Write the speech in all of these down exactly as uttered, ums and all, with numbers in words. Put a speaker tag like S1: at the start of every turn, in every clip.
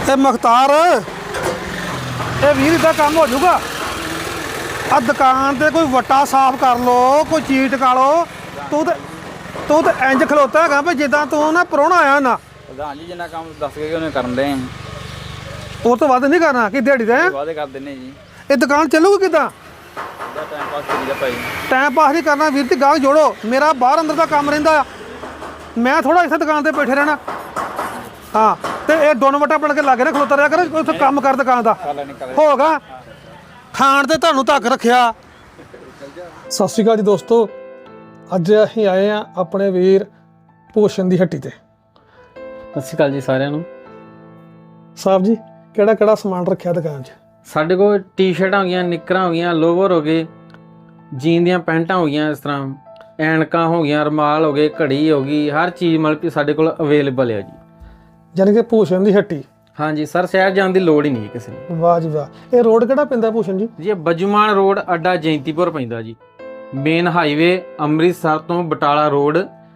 S1: ਤੇ ਮੁਖਤਾਰ ਇਹ ਵੀਰ ਇਦਾਂ ਕੰਮ ਹੋ ਜਾਊਗਾ। ਆ ਦੁਕਾਨ ਤੇ ਕੋਈ ਵੱਟਾ ਸਾਫ਼ ਕਰ ਲੋ, ਕੋਈ ਚੀਜ਼ ਟਕਾ ਲੋ। ਤੂੰ ਤੇ ਤੂੰ ਤੇ ਇੰਜ ਖਲੋਤਾ ਹੈਗਾ ਵੀ ਜਿੱਦਾਂ ਤੂੰ ਨਾ ਪ੍ਰਾਹੁਣਾ ਆਇਆ ਨਾ।
S2: ਪ੍ਰਧਾਨ ਜੀ ਜਿੰਨਾ ਕੰਮ ਦੱਸ ਕੇ ਉਹਨੇ ਕਰਨ ਦੇ
S1: ਉਹ ਤੋਂ ਵੱਧ ਨਹੀਂ ਕਰਨਾ ਕਿ ਦਿਹਾੜੀ ਦਾ
S2: ਵਾਅਦੇ ਕਰ ਦਿੰਨੇ ਜੀ।
S1: ਇਹ ਦੁਕਾਨ ਚੱਲੂਗੀ ਕਿੱਦਾਂ?
S2: ਟਾਈਮ ਪਾਸ ਕਰੀਦਾ ਭਾਈ।
S1: ਟਾਈਮ ਪਾਸ ਨਹੀਂ ਕਰਨਾ ਵੀਰ ਤੇ ਗਾਹਕ ਜੋੜੋ। ਮੇਰਾ ਬਾਹਰ ਅੰਦਰ ਦਾ ਕੰਮ ਰਹਿੰਦਾ ਆ, ਮੈਂ ਥੋੜਾ ਇੱਥੇ ਦੁਕਾਨ ਤੇ ਬੈਠੇ ਰਹਿਣਾ। ਹਾਂ ਤੇ ਇਹ ਦੋਨੋਂ ਵਟਾ ਬਣ ਕੇ ਲਾਗੇ ਨਾ ਖਲੋਤਾ ਰਿਹਾ ਕਰ, ਉੱਥੇ ਕੰਮ ਕਰ ਦੁਕਾਨ ਦਾ ਹੋਗਾ। ਖਾਣ ਤੇ ਤੁਹਾਨੂੰ ਧੱਕ ਰੱਖਿਆ। ਸਤਿ ਸ਼੍ਰੀ ਅਕਾਲ ਜੀ ਦੋਸਤੋ, ਅੱਜ ਅਸੀਂ ਆਏ ਆ ਆਪਣੇ ਵੀਰ ਭੂਸ਼ਣ ਦੀ ਹੱਟੀ ਤੇ।
S3: ਸਤਿ ਸ਼੍ਰੀ ਅਕਾਲ ਜੀ ਸਾਰਿਆਂ ਨੂੰ।
S1: ਸਾਹਿਬ ਜੀ ਕਿਹੜਾ ਕਿਹੜਾ ਸਮਾਨ ਰੱਖਿਆ ਦੁਕਾਨ 'ਚ?
S3: ਸਾਡੇ ਕੋਲ ਟੀ-ਸ਼ਰਟਾਂ ਹੋ ਗਈਆਂ, ਨਿੱਕਰਾਂ ਹੋ ਗਈਆਂ, ਲੋਵਰ ਹੋ ਗਏ, ਜੀਨ ਦੀਆਂ ਪੈਂਟਾਂ ਹੋ ਗਈਆਂ, ਇਸ ਤਰ੍ਹਾਂ ਐਨਕਾਂ ਹੋ ਗਈਆਂ, ਰੁਮਾਲ ਹੋ ਗਏ, ਘੜੀ ਹੋ ਗਈ, ਹਰ ਚੀਜ਼ ਮਤਲਬ ਕਿ ਸਾਡੇ ਕੋਲ ਅਵੇਲੇਬਲ ਹੈ ਜੀ।
S1: ਯਾਨੀ ਕਿ ਭੂਸ਼ਣ ਦੀ ਹੱਟੀ।
S3: ਹਾਂਜੀ ਸਰ, ਸ਼ਹਿਰ ਜਾਣ ਦੀ ਲੋੜ ਹੀ ਨਹੀਂ ਕਿਸੇ ਨੂੰ।
S1: ਵਾਹ ਜੀ ਵਾਹ। ਇਹ ਰੋਡ ਕਿਹੜਾ ਪੈਂਦਾ ਭੂਸ਼ਣ ਜੀ?
S3: ਜੀ ਇਹ ਬੱਜੂਮਾਨ ਰੋਡ ਅੱਡਾ ਜੈਂਤੀਪੁਰ ਪੈਂਦਾ ਜੀ। ਮੇਨ ਹਾਈਵੇ ਅੰਮ੍ਰਿਤਸਰ ਤੋਂ ਬਟਾਲਾ ਰੋਡ,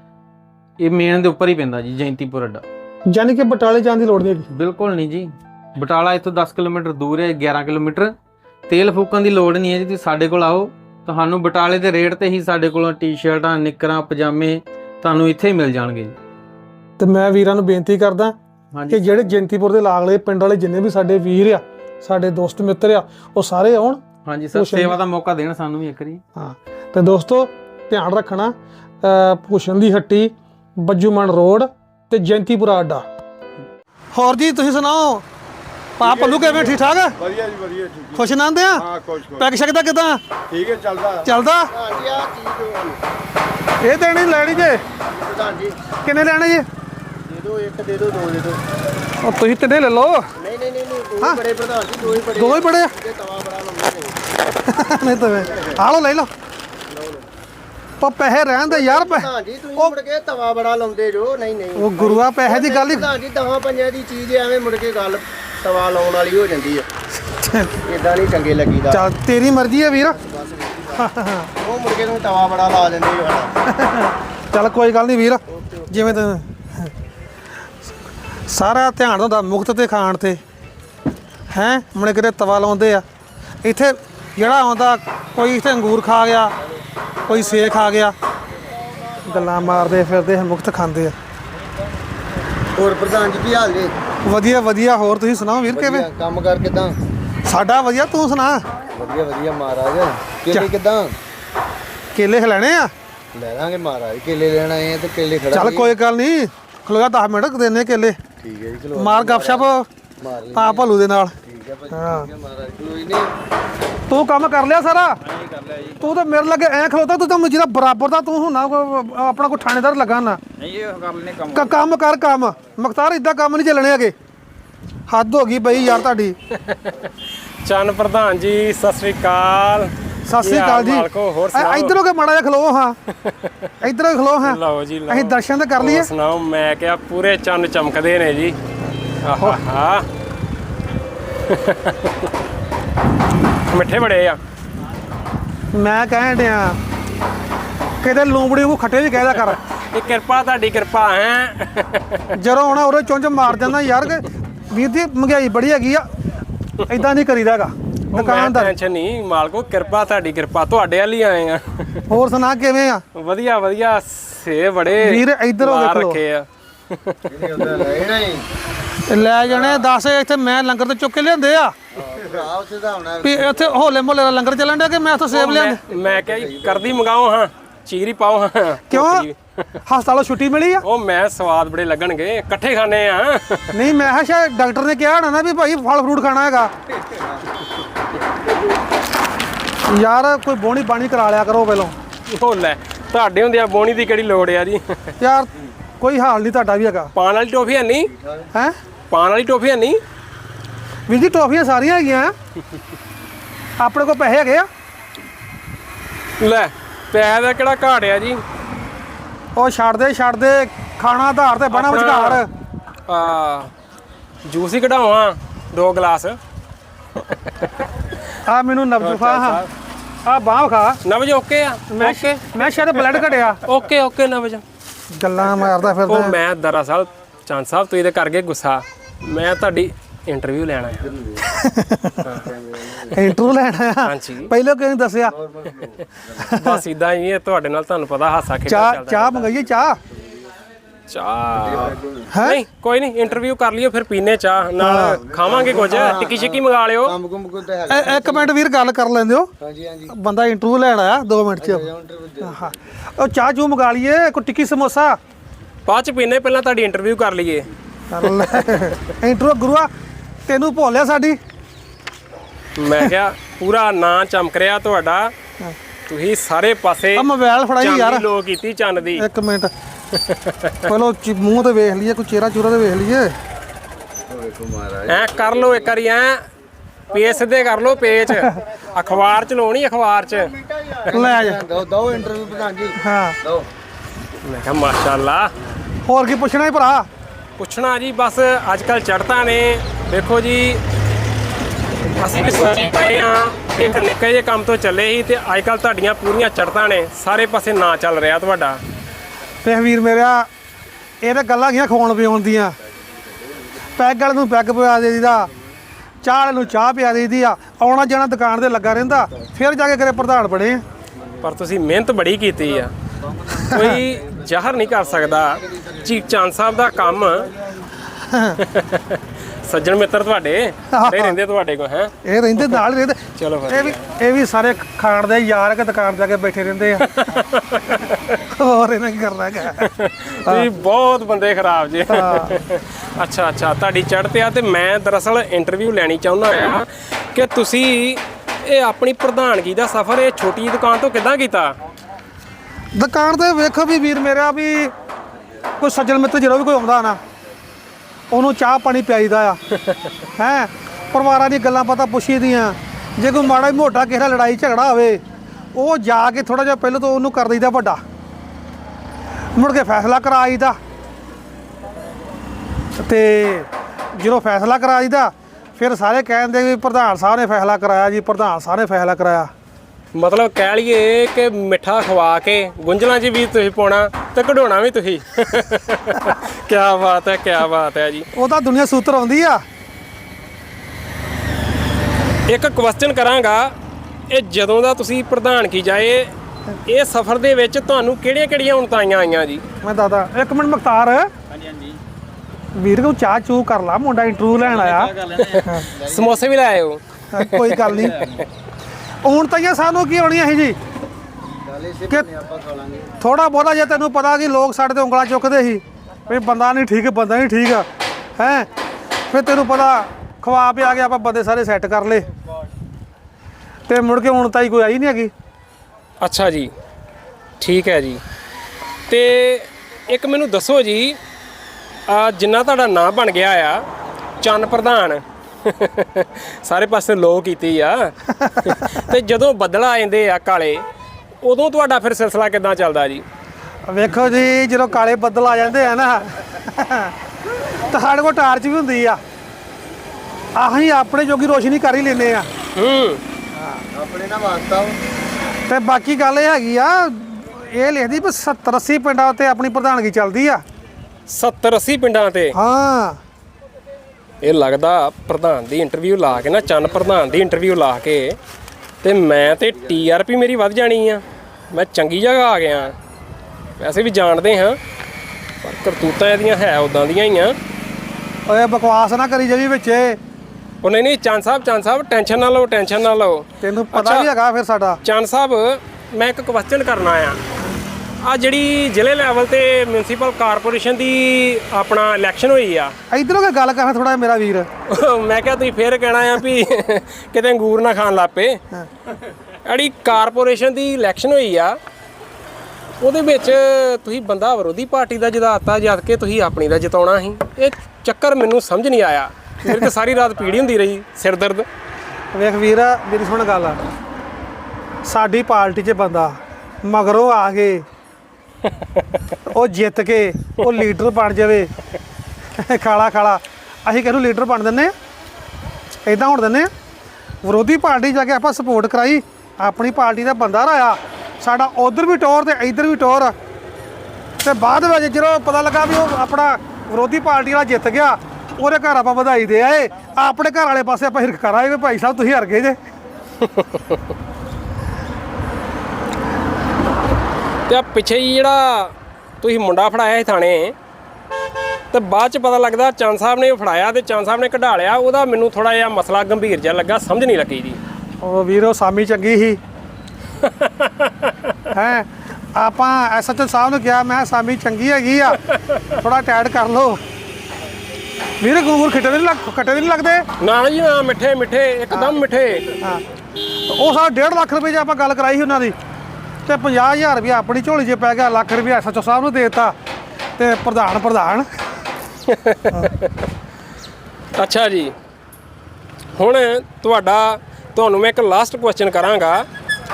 S3: ਇਹ ਮੇਨ ਦੇ ਉੱਪਰ ਹੀ ਪੈਂਦਾ ਜੀ, ਜੈਂਤੀਪੁਰ ਅੱਡਾ।
S1: ਯਾਨੀ ਕਿ ਬਟਾਲੇ ਜਾਣ ਦੀ ਲੋੜ ਨਹੀਂ ਹੈਗੀ?
S3: ਬਿਲਕੁਲ ਨਹੀਂ ਜੀ। ਬਟਾਲਾ ਇੱਥੋਂ ਦਸ ਕਿਲੋਮੀਟਰ ਦੂਰ ਹੈ, ਗਿਆਰਾਂ ਕਿਲੋਮੀਟਰ। ਤੇਲ ਫੂਕਣ ਦੀ ਲੋੜ ਨਹੀਂ ਹੈ ਜੀ। ਤੁਸੀਂ ਸਾਡੇ ਕੋਲ ਆਓ, ਤੁਹਾਨੂੰ ਬਟਾਲੇ ਦੇ ਰੇਟ ਤੇ ਹੀ ਸਾਡੇ ਕੋਲੋਂ ਟੀ-ਸ਼ਰਟਾਂ, ਨਿੱਕਰਾਂ, ਪਜਾਮੇ ਤੁਹਾਨੂੰ ਇੱਥੇ ਹੀ ਮਿਲ ਜਾਣਗੇ ਜੀ।
S1: ਤੇ ਮੈਂ ਵੀਰਾਂ ਨੂੰ ਬੇਨਤੀ ਕਰਦਾ ਕਿ ਜਿਹੜੇ ਜੈਂਤੀਪੁਰ ਦੇ ਲਾਗਲੇ ਪਿੰਡ ਵਾਲੇ ਜਿੰਨੇ ਵੀ ਸਾਡੇ ਵੀਰ ਆ, ਸਾਡੇ ਦੋਸਤ ਮਿੱਤਰ ਆ, ਉਹ ਸਾਰੇ ਆਉਣ।
S3: ਹਾਂਜੀ ਸਰ, ਸੇਵਾ ਦਾ ਮੌਕਾ ਦੇਣ ਸਾਨੂੰ ਵੀ ਇੱਕ ਵਾਰੀ।
S1: ਹਾਂ ਤੇ ਦੋਸਤੋ ਧਿਆਨ ਰੱਖਣਾ, ਭੂਸ਼ਣ ਦੀ ਹੱਟੀ, ਬੱਜੂਮਨ ਰੋਡ ਤੇ ਜੈਂਤੀਪੁਰਾ ਅੱਡਾ। ਹੋਰ ਜੀ ਤੁਸੀਂ ਸੁਣਾਓ, ਪਾ ਪੱਲੂ ਕਿਵੇਂ? ਠੀਕ ਠਾਕ?
S4: ਵਧੀਆ ਜੀ ਵਧੀਆ, ਠੀਕ।
S1: ਖੁਸ਼ ਨੰਦ ਆ?
S4: ਹਾਂ ਖੁਸ਼ ਖੁਸ਼।
S1: ਪੈਕ ਸ਼ੈਕ ਦਾ ਕਿਦਾਂ?
S4: ਠੀਕ ਹੈ, ਚੱਲਦਾ
S1: ਚੱਲਦਾ।
S4: ਹਾਂਜੀ ਆ ਚੀਜ਼
S1: ਇਹ ਦੇਣੀ ਲੈਣੀ ਜੇ?
S4: ਪ੍ਰਧਾਨ ਜੀ
S1: ਕਿੰਨੇ ਲੈਣੇ ਜੇ?
S4: ਦੇ ਦਿਓ, ਇੱਕ ਦੇ ਦਿਓ, ਦੋ ਦੇ ਦਿਓ।
S1: ਉਹ ਤੁਸੀਂ ਤਿੰਨੇ ਲੈ ਲਓ।
S4: ਨਹੀਂ ਨਹੀਂ ਨਹੀਂ, ਦੋ ਹੀ ਬੜੇ ਪ੍ਰਧਾਨ ਜੀ, ਦੋ ਹੀ ਬੜੇ।
S1: ਦੋ ਹੀ ਬੜੇ ਆ?
S4: ਇਹ ਤਵਾ ਬੜਾ ਲੰਮਾ
S1: ਨਹੀਂ ਤਾਂ ਆ ਲਓ, ਲੈ ਲਓ। ਪਰ ਪੈਸੇ ਰਹਿਣ ਦੇ ਯਾਰ।
S4: ਪ੍ਰਧਾਨ ਜੀ ਤੁਸੀਂ ਮੁੜ ਕੇ ਤਵਾ ਬੜਾ ਲਾਉਂਦੇ ਜੋ। ਨਹੀਂ ਨਹੀਂ,
S1: ਉਹ ਗੁਰੂਆ ਪੈਸੇ ਦੀ ਗੱਲ ਹੀ।
S4: ਪ੍ਰਧਾਨ ਜੀ ਦਹਾਂ ਪੰਜਾਂ ਦੀ ਚੀਜ਼ ਐਵੇਂ ਮੁੜ ਕੇ ਗੱਲ ਤਵਾ ਲਾਉਣ ਵਾਲੀ ਹੋ ਜਾਂਦੀ ਹੈ। ਇਦਾਂ ਨਹੀਂ ਚੰਗੇ ਲੱਗੀਦਾ।
S1: ਚੱਲ ਤੇਰੀ ਮਰਜ਼ੀ ਹੈ ਵੀਰ।
S4: ਉਹ ਮੁੜ ਕੇ ਤੁਸੀਂ ਤਵਾ ਬੜਾ ਲਾ ਦਿੰਦੇ ਹੋ।
S1: ਚੱਲ ਕੋਈ ਗੱਲ ਨਹੀਂ ਵੀਰ, ਜਿਵੇਂ ਤੈਨੂੰ ਸਾਰਾ ਧਿਆਨ ਹੁੰਦਾ ਮੁਕਤ ਤੇ ਖਾਣ ਤੇ ਹੈ। ਮੁੰਡੇ ਕਿਤੇ ਤਵਾ ਲਾਉਂਦੇ ਆ ਇੱਥੇ, ਜਿਹੜਾ ਆਉਂਦਾ ਕੋਈ ਇੱਥੇ ਅੰਗੂਰ ਖਾ ਗਿਆ, ਕੋਈ ਸੇਬ ਖਾ ਗਿਆ, ਗੱਲਾਂ ਮਾਰਦੇ ਫਿਰਦੇ ਮੁਕਤ ਖਾਂਦੇ ਆ।
S4: ਹੋਰ ਪ੍ਰਧਾਨ ਜੀ ਕੀ ਹਾਲ ਜੀ?
S1: ਵਧੀਆ ਵਧੀਆ। ਹੋਰ ਤੁਸੀਂ ਸੁਣਾਓ ਵੀਰ ਕਿਵੇਂ?
S4: ਕੰਮ ਕਰ ਕਿਦਾਂ?
S1: ਸਾਡਾ ਵਧੀਆ, ਤੂੰ ਸੁਣਾ?
S4: ਵਧੀਆ ਵਧੀਆ ਮਹਾਰਾਜ। ਕੇਲੇ ਕਿਦਾਂ?
S1: ਕੇਲੇ ਖਿਲਾਣੇ ਆ?
S4: ਲੈ ਲਾਂਗੇ ਮਹਾਰਾਜ, ਕੇਲੇ ਲੈਣ ਆਏ ਆ ਤੇ ਕੇਲੇ ਖੜਾ।
S1: ਚੱਲ ਕੋਈ ਗੱਲ ਨਹੀਂ, ਖਲੋਗਾ ਦਸ ਮਿੰਟ ਦੇਣੇ ਕੇਲੇ।
S4: ਠੀਕ ਹੈ ਜੀ, ਚਲੋ
S1: ਮਾਰ ਗੱਪਸ਼ਪ
S4: ਮਾਰ ਲਈ।
S1: ਪਾ ਭਲੂ ਦੇ ਨਾਲ।
S4: ਠੀਕ ਹੈ ਭਾਈ, ਠੀਕ ਹੈ ਮਹਾਰਾਜ, ਕੋਈ ਨਹੀਂ।
S1: ਤੂੰ ਕੰਮ ਕਰ ਲਿਆ ਸਾਰਾ?
S2: ਨਹੀਂ ਕਰ ਲਿਆ ਜੀ।
S1: ਤੂੰ ਤਾਂ ਮੇਰੇ ਲੱਗੇ ਐ ਖਲੋਤਾ, ਤੂੰ ਤਾਂ ਜਿਹੜਾ ਬਰਾਬਰ ਦਾ ਤੂੰ ਹੁਣਾ ਆਪਣਾ ਕੋਈ ਥਾਣੇਦਾਰ ਲੱਗਾ ਨਾ।
S2: ਨਹੀਂ ਇਹ ਕਰ ਲੈਨੇ ਕੰਮ।
S1: ਕ- ਕੰਮ ਕਰ ਕੰਮ। ਮੁਖਤਾਰ ਇਦਾਂ ਕੰਮ ਨਹੀਂ ਚੱਲਣੇ ਹੈਗੇ। ਹੱਦ ਹੋ ਗਈ ਬਈ ਯਾਰ ਤੁਹਾਡੀ।
S5: ਚੰਨ ਪ੍ਰਧਾਨ ਜੀ ਸਤਿ ਸ੍ਰੀ ਅਕਾਲ।
S1: ਸਤਿ ਸ੍ਰੀ ਅਕਾਲ ਜੀ।
S5: ਹੋਰ
S1: ਐ ਇਧਰੋਂ ਕੇ ਮਾੜਾ ਜਿਹਾ ਖਲੋ ਹਾਂ, ਇਧਰੋਂ ਖਲੋ ਹਾਂ।
S5: ਲਓ ਜੀ ਲਓ,
S1: ਅਸੀਂ ਦਰਸ਼ਨ ਤਾਂ ਕਰ ਲਈਏ।
S5: ਹੋਰ ਸੁਣਾਓ, ਮੈਂ ਕਿਹਾ ਪੂਰੇ ਚੰਨ ਚਮਕਦੇ ਨੇ ਜੀ। ਆਹਾ ਮਿੱਠੇ ਬੜੇ ਆ।
S1: ਮੈਂ ਕਹਿਣ ਡਿਆ ਕਿਤੇ ਲੂੰਬੜੀ ਨੂੰ ਖੱਟੇ ਵੀ ਕਹਿਦਾ ਕਰ।
S5: ਇਹ ਕਿਰਪਾ ਤੁਹਾਡੀ ਕਿਰਪਾ ਹੈ।
S1: ਜਦੋਂ ਆਉਣਾ ਉਰੇ ਚੁੰਝ ਮਾਰ ਜਾਂਦਾ ਯਾਰ ਕਿ ਵੀਰ ਦੀ ਮਹਿੰਗਾਈ ਬੜੀ ਹੈਗੀ ਆ, ਇਦਾਂ ਨਹੀਂ ਕਰੀਦਾ ਹੈਗਾ ਦੁਕਾਨਦਾਰ।
S5: ਟੈਨਸ਼ਨ ਨਹੀਂ ਮਾਲਕੋ, ਕਿਰਪਾ ਤੁਹਾਡੀ ਕਿਰਪਾ, ਤੁਹਾਡੇ ਵਾਲੀ ਆਏ ਆ।
S1: ਹੋਰ ਸੁਣਾ ਕਿਵੇਂ ਆ?
S5: ਵਧੀਆ ਵਧੀਆ। ਸੇ ਬੜੇ
S1: ਵੀਰ ਇੱਧਰੋਂ
S5: ਬਾਹਰ
S1: ਵੇਖ ਲਓ।
S5: ਰੱਖੇ ਆ।
S4: ਇਹਨੇ ਉਹਦਾ ਲੈਣਾ ਹੀ
S1: ਲੈ ਜਾਣੇ ਦੱਸ। ਇੱਥੇ ਮੈਂ ਲੰਗਰ ਤੇ ਚੁੱਕ ਕੇ ਲਿਆਂਦੇ ਆ
S4: ਰਾਵ ਸਿਧਾਉਣਾ।
S1: ਵੀ ਇੱਥੇ ਹੋਲੇ ਮਹੱਲੇ ਦਾ ਲੰਗਰ ਚੱਲਣ ਡਿਆ ਕਿ ਮੈਂ ਇੱਥੋਂ ਸੇਬ ਲਿਆਂਦੇ?
S5: ਮੈਂ- ਮੈਂ ਕਿਹਾ ਜੀ ਕਰਦੀ ਮੰਗਾਓ ਹਾਂ, ਚੀਰੀ ਪਾਓ ਹਾਂ।
S1: ਕਿਉਂ ਹਸਪਤਾਲੋਂ ਛੁੱਟੀ ਮਿਲੀ ਆ?
S5: ਉਹ ਮੈਂ ਸਵਾਦ ਬੜੇ ਲੱਗਣਗੇ, ਇਕੱਠੇ ਖਾਣੇ ਆ।
S1: ਨਹੀਂ ਮੈਂ ਕਿਹਾ ਸ਼ਾਇਦ ਡਾਕਟਰ ਨੇ ਕਿਹਾ ਹੋਣਾ ਨਾ ਵੀ ਭਾਈ ਫਲ ਫਰੂਟ ਖਾਣਾ ਹੈਗਾ। ਯਾਰ ਕੋਈ ਬੋਣੀ ਬਾਣੀ ਕਰਾ ਲਿਆ ਕਰੋ ਪਹਿਲੋਂ।
S5: ਉਹ ਲੈ, ਤੁਹਾਡੇ ਹੁੰਦਿਆਂ ਬੋਣੀ ਦੀ ਕਿਹੜੀ ਲੋੜ ਆ ਜੀ?
S1: ਯਾਰ ਕੋਈ ਹਾਲ ਨਹੀਂ ਤੁਹਾਡਾ ਵੀ ਹੈਗਾ।
S5: ਪਾਣ ਵਾਲੀ ਟੋਫੀ ਹੈ ਨਹੀਂ?
S1: ਹੈ
S5: ਪਾਣ ਵਾਲੀ ਟੋਫੀ ਹੈ ਨਹੀਂ?
S1: ਵੀਰ ਜੀ ਟੋਫੀਆਂ ਸਾਰੀਆਂ ਹੈਗੀਆਂ, ਆਪਣੇ ਕੋਲ ਪੈਸੇ ਹੈਗੇ ਆ।
S5: ਲੈ ਪੈਸੇ ਦਾ ਕਿਹੜਾ ਘਾਟ ਆ ਜੀ?
S1: ਉਹ ਛੱਡ ਦੇ ਛੱਡ ਦੇ, ਖਾਣਾ ਆਧਾਰ ਤੇ ਬਣਾ ਵਿਚਕਾਰ।
S5: ਆ ਜੂਸ ਹੀ ਕਢਾਵਾਂ ਦੋ ਗਲਾਸ।
S1: ਆ ਮੈਨੂੰ ਨਬਜ਼ ਖਾ। ਹਾਂ ਆ ਬਾਹ ਖਾ।
S5: ਨਵਜ ਓਕੇ ਆ?
S1: ਮੈਂ
S5: ਓਕੇ
S1: ਮੈਂ ਸ਼ਾਇਦ ਬਲੱਡ ਘਟਿਆ।
S5: ਓਕੇ ਓਕੇ ਨਵਜ।
S1: ਗੱਲਾਂ ਮਾਰਦਾ ਫਿਰਦਾ।
S5: ਉਹ ਮੈਂ ਦਰਅਸਲ ਚੰਦ ਸਾਹਿਬ ਤੁਸੀਂ ਇਹਦੇ ਕਰ ਗਏ ਗੁੱਸਾ। ਮੈਂ ਤੁਹਾਡੀ ਇੰਟਰਵਿਊ ਲੈਣਾ ਹੈ।
S1: ਇੰਟਰਵਿਊ ਲੈਣਾ ਆ
S5: ਹਾਂਜੀ
S1: ਪਹਿਲਾਂ ਕਿਉਂ ਨਹੀਂ ਦੱਸਿਆ?
S5: ਬਸ ਇਦਾਂ ਹੀ ਹੈ, ਤੁਹਾਡੇ ਨਾਲ ਤੁਹਾਨੂੰ ਪਤਾ ਹਾਸਾ ਖੇਡਾ
S1: ਚਾਹ
S5: ਚੱਲਦਾ।
S1: ਚਾਹ ਮੰਗਾਈਏ ਚਾਹ
S5: ਚਾਹ
S1: ਹੈਂ?
S5: ਨਹੀਂ ਕੋਈ ਨਹੀਂ, ਇੰਟਰਵਿਊ ਕਰ ਲਿਓ ਫਿਰ ਪੀਨੇ ਚਾਹ ਨਾਲ, ਖਾਵਾਂਗੇ ਕੁਝ, ਟਿੱਕੀ ਛਿੱਕੀ ਮੰਗਾ ਲਿਓ।
S4: ਕੰਮ ਕੁਮ ਕੋ ਤਾਂ ਹੈ।
S1: ਇਹ- ਇੱਕ ਮਿੰਟ ਵੀਰ ਗੱਲ ਕਰ ਲੈਂਦੇ ਹੋ।
S4: ਹਾਂਜੀ ਹਾਂਜੀ
S1: ਬੰਦਾ ਇੰਟਰਵਿਊ ਲੈਣ ਆਇਆ ਦੋ ਮਿੰਟ ਚ। ਹਾਂ ਉਹ ਚਾਹ ਚੂ ਮੰਗਾ ਲਈਏ, ਕੋਈ ਟਿੱਕੀ ਸਮੋਸਾ
S5: ਬਾਅਦ ਚ ਪੀਨੇ, ਪਹਿਲਾਂ ਤੁਹਾਡੀ ਇੰਟਰਵਿਊ ਕਰ ਲਈਏ।
S1: ਕਰ ਲੈ। ਇੰਟਰਵਿਊ ਗੁਰੂਆ ਤੈਨੂੰ ਭੁੱਲਿਆ ਸਾਡੀ।
S5: ਮੈਂ ਕਿਹਾ ਪੂਰਾ ਨਾਂ ਚਮਕ ਰਿਹਾ ਤੁਹਾਡਾ, ਤੁਸੀਂ ਸਾਰੇ ਪਾਸੇ
S1: ਆ ਮੋਬਾਈਲ ਫੜਾਈ ਯਾਰ
S5: ਚਾਂਦੀ ਲੋ ਕੀਤੀ ਚੰਨ ਦੀ।
S1: ਇੱਕ ਮਿੰਟ ਪਹਿਲਾਂ ਚ- ਮੂੰਹ ਤੇ ਵੇਖ ਲਈਏ, ਕੋਈ ਚਿਹਰਾ ਚੂਰਾ ਤੇ ਵੇਖ ਲਈਏ।
S5: ਐ ਕਰ ਲੋ ਇੱਕ ਵਾਰੀ, ਐ ਪੇਜ ਸਿੱਧੇ ਕਰ ਲੋ, ਪੇਜ ਅਖਬਾਰ ਚ ਲਾਉਣੀ, ਅਖਬਾਰ ਚ।
S1: ਲੈ ਜਾ
S4: ਦੋ ਦੋ ਇੰਟਰਵਿਊ ਪ੍ਰਧਾਨ ਜੀ
S1: ਹਾਂ
S4: ਦੋ।
S5: ਮੈਂ ਕਿਹਾ ਮਾਸ਼ਾਅੱਲਾ।
S1: ਹੋਰ ਕੀ ਪੁੱਛਣਾ ਹੈ ਭਰਾ?
S5: ਪੁੱਛਣਾ ਜੀ ਬਸ ਅੱਜ ਕੱਲ ਚੜ੍ਹਤਾਂ ਨੇ, ਦੇਖੋ ਜੀ ਅਸੀਂ ਵੀ ਸੋਚੀ ਪਏ ਆ, ਇੱਕ ਨਿੱਕੇ ਜਿਹੇ ਕੰਮ ਤੋਂ ਚੱਲੇ ਸੀ ਤੇ ਅੱਜ ਕੱਲ ਤੁਹਾਡੀਆਂ ਪੂਰੀਆਂ ਚੜ੍ਹਤਾਂ ਨੇ, ਸਾਰੇ ਪਾਸੇ ਨਾਂ ਚੱਲ ਰਿਹਾ ਤੁਹਾਡਾ।
S1: ਤੇ ਵੀਰ ਮੇਰਾ ਇਹ ਤਾਂ ਗੱਲਾਂ ਗੀਆਂ ਖਵਾਉਣ ਪਿਆਉਣ ਦੀਆਂ। ਪੈਗ ਵਾਲੇ ਨੂੰ ਪੈਗ ਪਿਆ ਦੇ ਦੀਦਾ, ਚਾਹ ਵਾਲੇ ਨੂੰ ਚਾਹ ਪਿਆ ਦੇ ਦੀ ਆ। ਆਉਣਾ ਜਾਣਾ ਦੁਕਾਨ ਤੇ ਲੱਗਾ ਰਹਿੰਦਾ, ਫਿਰ ਜਾ ਕੇ ਕਰੇ ਪ੍ਰਧਾਨ ਬਣੇ।
S5: ਪਰ ਤੁਸੀਂ ਮਿਹਨਤ ਬੜੀ ਕੀਤੀ ਆ, ਕੋਈ ਜ਼ਾਹਰ ਨਹੀਂ ਕਰ ਸਕਦਾ। ਚੀਕ ਚੰਦ ਸਾਹਿਬ ਦਾ ਕੰਮ ਸੱਜਣ ਮਿੱਤਰ ਤੁਹਾਡੇ ਸਾਰੇ ਰਹਿੰਦੇ ਤੁਹਾਡੇ ਕੋਲ ਹੈ।
S1: ਇਹ ਰਹਿੰਦੇ ਨਾਲ ਹੀ ਰਹਿੰਦੇ।
S5: ਚਲੋ ਫਿਰ
S1: ਇਹ ਵੀ ਇਹ ਵੀ ਸਾਰੇ ਖਾਣ ਦੇ ਯਾਰ ਕਿ ਦੁਕਾਨ ਜਾ ਕੇ ਬੈਠੇ ਰਹਿੰਦੇ ਆ। ਹੋਰ ਇਹਨਾਂ ਕੀ ਕਰਨਾ ਹੈਗਾ।
S5: ਤੁਸੀਂ ਬਹੁਤ ਬੰਦੇ ਖਰਾਬ ਜੀ। ਅੱਛਾ ਅੱਛਾ, ਤੁਹਾਡੀ ਚੜ੍ਹ ਤੇ ਆ। ਤੇ ਮੈਂ ਦਰਅਸਲ ਇੰਟਰਵਿਊ ਲੈਣੀ ਚਾਹੁੰਦਾ ਆ ਕਿ ਤੁਸੀਂ ਇਹ ਆਪਣੀ ਪ੍ਰਧਾਨਗੀ ਦਾ ਸਫ਼ਰ ਇਹ ਛੋਟੀ ਦੁਕਾਨ ਤੋਂ ਕਿੱਦਾਂ ਕੀਤਾ?
S1: ਦੁਕਾਨ ਤੇ ਵੇਖੋ ਵੀ ਵੀਰ ਮੇਰਾ ਵੀ ਕੋਈ ਸੱਜਣ ਮਿੱਤਰ ਜਦੋਂ ਵੀ ਕੋਈ ਆਉਂਦਾ ਨਾ, ਉਹਨੂੰ ਚਾਹ ਪਾਣੀ ਪਿਆਈਦਾ ਆ। ਹੈਂ ਪਰਿਵਾਰਾਂ ਦੀਆਂ ਗੱਲਾਂ ਪਤਾ ਪੁੱਛੀ ਦੀਆਂ। ਜੇ ਕੋਈ ਮਾੜਾ ਮੋਟਾ ਕਿਸੇ ਨਾਲ ਲੜਾਈ ਝਗੜਾ ਹੋਵੇ, ਉਹ ਜਾ ਕੇ ਥੋੜਾ ਜਿਹਾ ਪਹਿਲਾਂ ਤੋਂ ਉਹਨੂੰ ਕਰ ਦਈਦਾ ਵੱਡਾ, ਮੁੜ ਕੇ ਫੈਸਲਾ ਕਰਾ ਆਈਦਾ। ਤੇ ਜਦੋਂ ਫੈਸਲਾ ਕਰਾ ਆਈਦਾ ਫਿਰ ਸਾਰੇ ਕਹਿੰਦੇ ਵੀ ਪ੍ਰਧਾਨ ਸਾਹਿਬ ਨੇ ਫੈਸਲਾ ਕਰਾਇਆ ਜੀ, ਪ੍ਰਧਾਨ ਸਾਹਿਬ ਨੇ ਫੈਸਲਾ ਕਰਾਇਆ।
S5: ਮਤਲਬ ਕਹਿ ਲਈਏ ਕਿ ਮਿੱਠਾ ਖਵਾ ਕੇ ਗੁੰਝਲਾਂ 'ਚ ਵੀ ਤੁਸੀਂ ਪਾਉਣਾ ਤੇ ਕਢਾਉਣਾ ਵੀ ਤੁਸੀਂ। ਕੀ ਬਾਤ ਹੈ, ਕੀ ਬਾਤ ਹੈ ਜੀ।
S1: ਉਹ ਤਾਂ ਦੁਨੀਆ ਸੂਤਰ ਆਉਂਦੀ ਆ।
S5: ਇੱਕ ਕੁਐਸਚਨ ਕਰਾਂਗਾ, ਇਹ ਜਦੋਂ ਦਾ ਤੁਸੀਂ ਪ੍ਰਧਾਨਗੀ ਜਾਏ, ਇਹ ਸਫ਼ਰ ਦੇ ਵਿੱਚ ਤੁਹਾਨੂੰ ਕਿਹੜੀਆਂ ਕਿਹੜੀਆਂ ਉਣਤਾਈਆਂ ਆਈਆਂ ਜੀ?
S1: ਮੈਂ ਦਾਦਾ ਇੱਕ ਮਿੰਟ ਮੁਖਤਾਰ
S2: ਹਾਂਜੀ ਹਾਂਜੀ
S1: ਵੀਰ ਕੋ ਚਾਹ ਚੂ ਕਰ ਲਾ, ਮੁੰਡਾ ਇੰਟਰਵਿਊ ਲੈਣ ਆਇਆ।
S5: ਸਮੋਸੇ ਵੀ ਲੈ ਆਇਓ।
S1: ਕੋਈ ਗੱਲ ਨਹੀਂ। ਹੁਣ ਤਾਂ ਇਹ ਸਾਨੂੰ ਕੀ ਹੋਣੀਆਂ ਸੀ ਜੀ ਕਿ
S4: ਆਪਾਂ ਖਾ ਲਾਂਗੇ।
S1: ਥੋੜਾ ਬਹੁਤਾ ਜੇ ਤੈਨੂੰ ਪਤਾ ਕਿ ਲੋਕ ਸਾਡੇ ਤੇ ਉਂਗਲਾਂ ਚੁੱਕਦੇ ਸੀ ਵੀ ਬੰਦਾ ਨਹੀਂ ਠੀਕ, ਬੰਦਾ ਨਹੀਂ ਠੀਕ ਹੈ, ਫਿਰ ਤੈਨੂੰ ਪਤਾ ਖਵਾ ਪਿਆ ਕੇ ਆਪਾਂ ਬੰਦੇ ਸਾਰੇ ਸੈੱਟ ਕਰ ਲਏ ਤੇ ਮੁੜ ਕੇ ਹੁਣ ਤਾਈ ਕੋਈ ਆਈ ਨਹੀਂ ਹੈਗੀ।
S5: ਅੱਛਾ ਜੀ, ਠੀਕ ਹੈ ਜੀ। ਤੇ ਇੱਕ ਮੈਨੂੰ ਦੱਸੋ ਜੀ, ਆ ਜਿੰਨਾ ਤੁਹਾਡਾ ਨਾਂ ਬਣ ਗਿਆ ਆ ਚੰਨ ਪ੍ਰਧਾਨ, ਸਾਰੇ ਪਾਸੇ ਲੋ ਕੀਤੀ ਆ, ਤੇ ਜਦੋਂ ਬੱਦਲ ਆ ਜਾਂਦੇ ਆ ਕਾਲੇ, ਉਦੋਂ ਤੁਹਾਡਾ ਫਿਰ ਸਿਲਸਿਲਾ ਕਿੱਦਾਂ ਚੱਲਦਾ ਜੀ?
S1: ਵੇਖੋ ਜੀ ਜਦੋਂ ਕਾਲੇ ਬੱਦਲ ਆ ਜਾਂਦੇ ਆ ਨਾ ਤਾਂ ਸਾਡੇ ਕੋਲ ਟਾਰਚ ਵੀ ਹੁੰਦੀ ਆ, ਅਸੀਂ ਆਪਣੇ ਜੋਗੀ ਰੋਸ਼ਨੀ ਕਰ ਹੀ ਲੈਂਦੇ ਆ।
S5: ਹੂੰ
S4: ਆਪਣੇ ਨਾਲ ਵਾਸਤਾ ਵਾ।
S1: ਤੇ ਬਾਕੀ ਗੱਲ ਇਹ ਹੈਗੀ ਆ, ਇਹ ਲਿਖਦੀ ਵੀ ਸੱਤਰ ਅੱਸੀ ਪਿੰਡਾਂ ਉੱਤੇ ਆਪਣੀ ਪ੍ਰਧਾਨਗੀ ਚੱਲਦੀ ਆ।
S5: ਸੱਤਰ ਅੱਸੀ ਪਿੰਡਾਂ ਤੇ
S1: ਹਾਂ
S5: ਇਹ ਲੱਗਦਾ ਪ੍ਰਧਾਨ ਦੀ ਇੰਟਰਵਿਊ ਲਾ ਕੇ ਨਾ, ਚੰਨ ਪ੍ਰਧਾਨ ਦੀ ਇੰਟਰਵਿਊ ਲਾ ਕੇ ਤੇ ਮੈਂ ਤੇ ਟੀ ਆਰ ਪੀ ਮੇਰੀ ਵੱਧ ਜਾਣੀ ਆ। ਮੈਂ ਚੰਗੀ ਜਗ੍ਹਾ ਆ ਗਿਆ। ਵੈਸੇ ਵੀ ਜਾਣਦੇ ਹਾਂ, ਪਰ ਕਰਤੂਤਾਂ ਇਹਦੀਆਂ ਹੈ ਉਦਾਂ ਦੀਆਂ ਹੀ ਆ।
S1: ਓਏ ਬਕਵਾਸ ਨਾ ਕਰੀ ਜਾਵੀ ਵਿੱਚ।
S5: ਉਹ ਨਹੀਂ ਨਹੀਂ ਚੰਨ ਸਾਹਿਬ, ਚੰਨ ਸਾਹਿਬ ਟੈਨਸ਼ਨ ਨਾ ਲਓ, ਟੈਨਸ਼ਨ ਨਾ ਲਓ।
S1: ਤੈਨੂੰ ਪਤਾ
S5: ਅੱਛਾ।
S1: ਵੀ ਹੈਗਾ ਫਿਰ ਸਾਡਾ।
S5: ਚੰਨ ਸਾਹਿਬ ਮੈਂ ਇੱਕ ਕੁਐਸਚਨ ਕਰਨਾ ਆ। ਆ ਜਿਹੜੀ ਜ਼ਿਲ੍ਹੇ ਲੈਵਲ ਤੇ ਮਿਊਨਿਸਪਲ ਕਾਰਪੋਰੇਸ਼ਨ ਦੀ ਆਪਣਾ ਇਲੈਕਸ਼ਨ ਹੋਈ ਆ,
S1: ਇਧਰੋਂ ਕੇ ਗੱਲ ਕਰਨਾ ਥੋੜਾ ਮੇਰਾ ਵੀਰ।
S5: ਮੈਂ ਕਿਹਾ ਤੁਸੀਂ ਫੇਰ ਕਹਿਣਾ ਆ ਵੀ ਕਿਤੇ ਅੰਗੂਰ ਨਾ ਖਾਣ ਲੱਪੇ। ਜਿਹੜੀ ਕਾਰਪੋਰੇਸ਼ਨ ਦੀ ਇਲੈਕਸ਼ਨ ਹੋਈ ਆ, ਉਹਦੇ ਵਿੱਚ ਤੁਸੀਂ ਬੰਦਾ ਵਿਰੋਧੀ ਪਾਰਟੀ ਦਾ ਜਿਤਾਤਾ ਜਦ ਕਿ ਤੁਸੀਂ ਆਪਣੀ ਦਾ ਜਿਤਾਉਣਾ ਸੀ। ਇਹ ਚੱਕਰ ਮੈਨੂੰ ਸਮਝ ਨਹੀਂ ਆਇਆ। ਮੇਰੇ ਤੇ ਸਾਰੀ ਰਾਤ ਪੀੜੀ ਹੁੰਦੀ ਰਹੀ, ਸਿਰ ਦਰਦ।
S1: ਵੇਖ ਵੀਰ ਮੇਰੀ ਸੁਣ ਗੱਲ, ਸਾਡੀ ਪਾਰਟੀ 'ਚ ਬੰਦਾ ਮਗਰੋਂ ਆ ਕੇ ਉਹ ਜਿੱਤ ਕੇ ਉਹ ਲੀਡਰ ਬਣ ਜਾਵੇ, ਖਾਲਾ ਖਾਲਾ ਅਸੀਂ ਕਿਹਨੂੰ ਲੀਡਰ ਬਣ ਦਿੰਦੇ ਆ, ਇਦਾਂ ਹੁਣ ਦਿੰਦੇ ਆ। ਵਿਰੋਧੀ ਪਾਰਟੀ ਜਾ ਕੇ ਆਪਾਂ ਸਪੋਰਟ ਕਰਾਈ, ਆਪਣੀ ਪਾਰਟੀ ਦਾ ਬੰਦਾ ਰਾਇਆ, ਸਾਡਾ ਉਧਰ ਵੀ ਟੋਰ ਤੇ ਇੱਧਰ ਵੀ ਟੋਰ। ਤੇ ਬਾਅਦ ਵਿੱਚ ਜਦੋਂ ਪਤਾ ਲੱਗਾ ਵੀ ਉਹ ਆਪਣਾ ਵਿਰੋਧੀ ਪਾਰਟੀ ਵਾਲਾ ਜਿੱਤ ਗਿਆ, ਉਹਦੇ ਘਰ ਆਪਾਂ ਵਧਾਈ ਦੇ ਆਏ, ਆਪਣੇ ਘਰ ਵਾਲੇ ਪਾਸੇ ਆਪਾਂ ਹਿਰਖ ਕਰ ਆਏ ਵੀ ਭਾਈ ਸਾਹਿਬ ਤੁਸੀਂ ਹਰ ਗਏ ਜੇ।
S5: ਤੇ ਆ ਪਿੱਛੇ ਹੀ ਜਿਹੜਾ ਤੁਸੀਂ ਮੁੰਡਾ ਫੜਾਇਆ ਸੀ ਥਾਣੇ, ਤੇ ਬਾਅਦ ਚ ਪਤਾ ਲੱਗਦਾ ਚੰਦ ਸਾਹਿਬ ਨੇ ਫੜਾਇਆ ਤੇ ਚੰਦ ਸਾਹਿਬ ਨੇ ਕਢਾ ਲਿਆ। ਉਹਦਾ ਮੈਨੂੰ ਥੋੜਾ ਜਿਹਾ ਮਸਲਾ ਗੰਭੀਰ ਜਿਹਾ ਲੱਗਾ, ਸਮਝ ਨਹੀਂ ਲੱਗੀ ਜੀ।
S1: ਉਹ ਵੀਰੋ ਸਾਮੀ ਚੰਗੀ ਸੀ ਹੈ। ਆਪਾਂ ਐਸਐਚਓ ਸਾਹਿਬ ਨੂੰ ਕਿਹਾ, ਮੈਂ ਸਾਮੀ ਚੰਗੀ ਹੈਗੀ ਆ, ਥੋੜਾ ਟੈਡ ਕਰ ਲਓ। ਵੀਰੇ ਗੁੰਗੂਰ ਖੱਟੇ ਦੇ ਨਹੀਂ ਲੱਗ ਖੱਟੇ ਦੇ ਨਹੀਂ ਲੱਗਦੇ
S5: ਨਾ ਜੀ ਨਾ, ਮਿੱਠੇ ਮਿੱਠੇ ਇੱਕਦਮ ਮਿੱਠੇ।
S1: ਹਾਂ, ਉਹ ਸਾਡਾ ਡੇਢ ਲੱਖ ਰੁਪਏ 'ਚ ਆਪਾਂ ਗੱਲ ਕਰਾਈ ਸੀ ਉਹਨਾਂ ਦੀ, ਤੇ ਪੰਜਾਹ ਹਜ਼ਾਰ ਰੁਪਇਆ ਆਪਣੀ ਝੋਲੀ 'ਚ ਪੈ ਗਿਆ, ਲੱਖ ਰੁਪਇਆ ਐਸਐਚਓ ਸਾਹਿਬ ਨੂੰ ਦੇ ਦਿੱਤਾ ਤੇ ਪ੍ਰਧਾਨ ਪ੍ਰਧਾਨ।
S5: ਅੱਛਾ ਜੀ, ਹੁਣ ਤੁਹਾਡਾ ਤੁਹਾਨੂੰ ਮੈਂ ਇੱਕ ਲਾਸਟ ਕੁਐਸਚਨ ਕਰਾਂਗਾ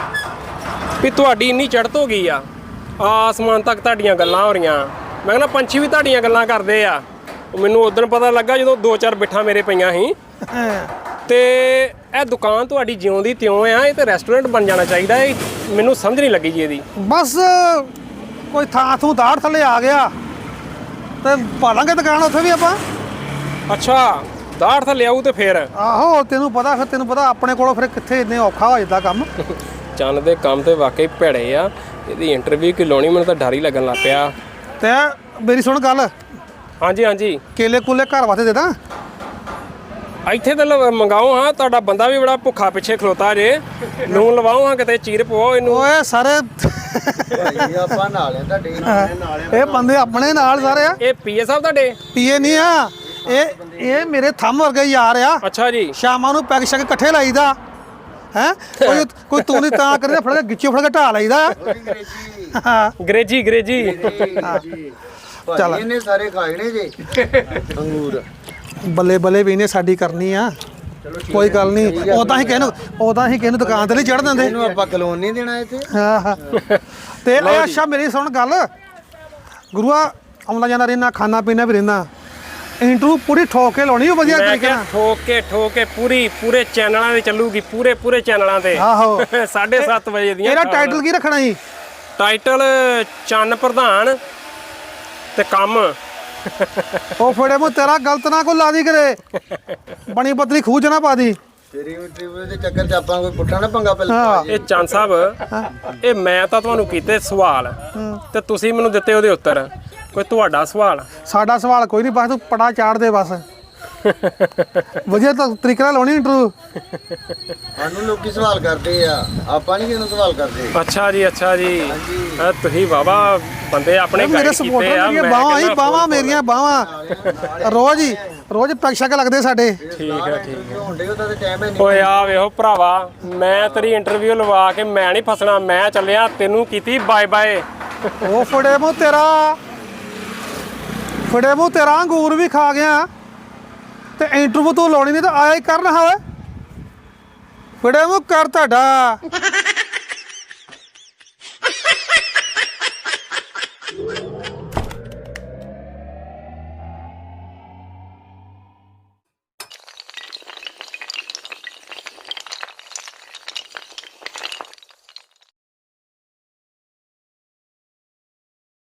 S5: ਵੀ ਤੁਹਾਡੀ ਇੰਨੀ ਚੜ੍ਹਤ ਹੋ ਗਈ ਆ, ਆਸਮਾਨ ਤੱਕ ਤੁਹਾਡੀਆਂ ਗੱਲਾਂ ਹੋ ਰਹੀਆਂ। ਮੈਂ ਕਹਿੰਦਾ ਪੰਛੀ ਵੀ ਤੁਹਾਡੀਆਂ ਗੱਲਾਂ ਕਰਦੇ ਆ। ਉਹ ਮੈਨੂੰ ਉਦੋਂ ਪਤਾ ਲੱਗਾ ਜਦੋਂ ਦੋ ਚਾਰ ਬਿੱਠਾਂ ਮੇਰੇ ਪਈਆਂ ਸੀ। ਤੇ ਇਹ ਦੁਕਾਨ ਤੁਹਾਡੀ ਜਿਉਂ ਦੀ ਤਿਉਂ ਆ, ਇਹ ਤੇ ਰੈਸਟੋਰੈਂਟ ਬਣ ਜਾਣਾ ਚਾਹੀਦਾ। ਇਹ ਮੈਨੂੰ ਸਮਝ ਨਹੀਂ ਲੱਗੀ ਜੀ ਇਹਦੀ।
S1: ਬਸ ਕੋਈ ਥਾਂ ਥੂ ਦਾੜ ਥੱਲੇ ਆ ਗਿਆ ਤੇ ਪਾ ਲਾਂਗੇ ਦੁਕਾਨ ਉੱਥੇ ਵੀ ਆਪਾਂ।
S5: ਅੱਛਾ, ਦਾੜ ਥੱਲੇ ਆਊ ਤੇ ਫਿਰ
S1: ਆਹੋ ਤੈਨੂੰ ਪਤਾ, ਫਿਰ ਤੈਨੂੰ ਪਤਾ ਆਪਣੇ ਕੋਲੋਂ ਫਿਰ ਕਿੱਥੇ ਇੰਨੇ ਔਖਾ ਹੋ ਜਾਂਦਾ ਕੰਮ।
S5: ਚੰਨ ਦੇ ਕੰਮ ਤੇ ਵਾਕਈ ਭੈੜੇ ਆ। ਇਹਦੀ ਇੰਟਰਵਿਊ ਕਿ ਲਾਉਣੀ ਮੈਨੂੰ ਤਾਂ ਡਰ ਹੀ ਲੱਗਣ ਲੱਗ ਪਿਆ।
S1: ਤੇ ਮੇਰੀ ਸੁਣ ਗੱਲ,
S5: ਹਾਂਜੀ ਹਾਂਜੀ,
S1: ਕੇਲੇ ਕੂਲੇ ਘਰ ਵਾਸਤੇ ਦੇ ਦਾਂ?
S5: ਇੱਥੇ ਤਾਂ ਲ- ਮੰਗਾਓ ਹਾਂ। ਤੁਹਾਡਾ ਬੰਦਾ ਵੀ ਬੜਾ ਭੁੱਖਾ ਪਿੱਛੇ ਖਲੋਤਾ ਜੇ। ਲੂਣ ਲਵਾਓ ਹਾਂ, ਕਿਤੇ ਚੀਰ ਪਵਾਓ ਇਹਨੂੰ।
S1: ਓਏ ਸਾਰੇ
S4: ਭਾਈ ਆਪਾਂ ਨਾਲ ਆ ਤੁਹਾਡੇ ਨਾਲ ਆ।
S1: ਇਹ ਬੰਦੇ ਆਪਣੇ ਨਾਲ ਸਾਰੇ ਆ,
S5: ਇਹ ਪੀਏ ਸਾਹਿਬ ਤੁਹਾਡੇ?
S1: ਪੀਏ ਨਹੀਂ ਆ ਇਹ, ਇਹ ਮੇਰੇ ਥੰਮ ਵਰਗੇ ਯਾਰ ਆ।
S5: ਅੱਛਾ ਜੀ,
S1: ਸ਼ਾਮਾਂ ਨੂੰ ਪੈਗ ਸ਼ੈਗ ਇਕੱਠੇ ਲਾਈਦਾ ਹੈ। ਕੋਈ ਕੋਈ ਤੂੰ ਨਹੀਂ ਤਾਂ ਕਰੇ, ਫੜ ਕੇ ਗਿੱਚੇ ਫੜ ਕੇ ਢਾ ਲਈਦਾ। ਹਾਂ
S5: ਗਰੇਜੀ ਗਰੇਜੀ।
S1: ਚੱਲ।
S4: ਇਹਨੇ ਸਾਰੇ ਖਾਏ ਨੇ ਜੇ ਅੰਗੂਰ।
S1: ਬੱਲੇ ਬੱਲੇ ਵੀ ਇਹਨੇ ਸਾਡੀ ਕਰਨੀ ਆ, ਕੋਈ ਗੱਲ ਨਹੀਂ। ਉਦਾਂ ਹੀ ਕਹਿਨੂੰ ਉਦਾਂ ਹੀ ਕਹਿਨੂੰ ਦੁਕਾਨ ਤੇ ਨਹੀਂ ਚੜ ਦਿੰਦੇ।
S4: ਇਹਨੂੰ ਆਪਾਂ ਕਲੋਨ ਨਹੀਂ ਦੇਣਾ ਇੱਥੇ।
S1: ਹਾਂ ਹਾਂ। ਤੇ ਇਹ ਅੱਛਾ ਮੇਰੀ ਸੁਣ ਗੱਲ, ਗੁਰੂਆ ਆਉਂਦਾ ਜਾਂਦਾ ਰਹਿਣਾ, ਖਾਣਾ ਪੀਣਾ ਵੀ ਰਹਿਣਾ, ਇੰਟਰਵਿਊ ਪੂਰੀ ਠੋਕ ਕੇ ਲਾਉਣੀ ਵਧੀਆ
S5: ਮੈਂ
S1: ਤਰੀਕੇ
S5: ਕਿਹਾ
S1: ਨਾਲ।
S5: ਠੋਕ ਕੇ ਠੋਕ ਕੇ ਪੂਰੀ ਪੂਰੇ ਚੈਨਲਾਂ ਤੇ ਚੱਲੂਗੀ, ਪੂਰੇ ਪੂਰੇ ਚੈਨਲਾਂ ਤੇ।
S1: ਆਹੋ
S5: ਸਾਢੇ ਸੱਤ ਵਜੇ ਦੀਆਂ।
S1: ਇਹਦਾ ਟਾਈਟਲ ਕੀ ਰੱਖਣਾ ਸੀ?
S5: ਟਾਈਟਲ ਚੰਨ ਪ੍ਰਧਾਨ ਤੇ ਕੰਮ।
S1: ਉਹ ਫੜੇ ਮੂੰ ਤੇਰਾ ਗਲਤ ਨਾ ਕੋਈ ਲਾ ਦੀ ਕਰੇ, ਬਣੀ ਬਦਲੀ ਖੂਹ ਚ ਨਾ ਪਾ ਦੀ।
S4: ਤੇਰੀ ਇੰਟਰਵਿਊ ਦੇ ਚੱਕਰ 'ਚ ਆਪਾਂ ਕੋਈ ਪੁੱਠਾ ਨਾ ਪੰਗਾ ਪਹਿਲਾਂ
S1: ਹਾਂ।
S4: ਪਾ ਜੇ।
S5: ਇਹ ਚੰਨ ਸਾਹਿਬ, ਇਹ ਮੈਂ ਤਾਂ ਤੁਹਾਨੂੰ ਕੀਤੇ ਸਵਾਲ ਤੇ ਤੁਸੀਂ ਮੈਨੂੰ ਦਿੱਤੇ ਉਹਦੇ ਉੱਤਰ। ਕੋਈ ਤੁਹਾਡਾ ਸਵਾਲ?
S1: ਸਾਡਾ ਸਵਾਲ ਕੋਈ ਨਹੀਂ, ਬਸ ਤੂੰ ਪੜਾ ਚਾੜ ਦੇ ਬਸ। ਵਧੀਆ ਤਾਂ ਤਰੀਕੇ ਨਾਲ ਲਾਉਣੀ ਇੰਟਰਵਿਊ।
S4: ਸਾਨੂੰ ਲੋਕੀ ਸਵਾਲ ਕਰਦੇ ਆ, ਆਪਾਂ ਨਹੀਂ ਕਿਸੇ ਨੂੰ ਸਵਾਲ ਕਰਦੇ।
S5: ਅੱਛਾ ਜੀ, ਅੱਛਾ ਜੀ। ਇਹ ਤੁਸੀਂ ਵਾਵਾ ਬੰਦੇ ਆਪਣੇ
S1: ਮੇਰੇ
S5: ਗਾਈਡ ਕੀਤੇ
S1: ਸਪੋਰਟਰ
S5: ਆ।
S1: ਮੇਰੀਆਂ
S5: ਮੈਂ
S1: ਬਾਹਾਂ ਹੀ
S5: ਕਹਿੰਦਾ
S1: ਬਾਹਾਂ ਮੇਰੀਆਂ ਬਾਹਾਂ ਰੋਜ਼ ਹੀ ਰੋਜ਼ ਪੈਗ ਸ਼ੈਗ ਲੱਗਦੇ ਸਾਡੇ।
S5: ਠੀਕ ਹੈ, ਠੀਕ ਹੈ।
S4: ਹੁੰਦੇ ਉਹਦਾ ਤੇ ਟਾਈਮ ਹੈ ਨਹੀਂ।
S5: ਓਏ ਆ ਵੇਖੋ ਭਰਾਵਾ, ਮੈਂ ਤੇਰੀ ਇੰਟਰਵਿਊ ਲਵਾ ਕੇ ਮੈਂ ਨਹੀਂ ਫਸਣਾ। ਮੈਂ ਚੱਲਿਆ, ਤੈਨੂੰ ਕੀਤੀ ਬਾਏ ਬਾਏ।
S1: ਉਹ ਫੜੇ ਮੂੰਹ ਤੇਰਾ, ਫੜੇ ਮੂੰਹ ਤੇਰਾ ਅੰਗੂਰ ਵੀ ਖਾ ਗਿਆ ਤੇ ਇੰਟਰਵਿਊ ਤੂੰ ਲਾਉਣੀ ਨਹੀਂ ਤਾਂ ਆਇਆ ਹੀ ਕਰਨ। ਹਾਂ ਓਏ ਫੜੇ ਮੂੰਹ ਕਰ ਤੁਹਾਡਾ।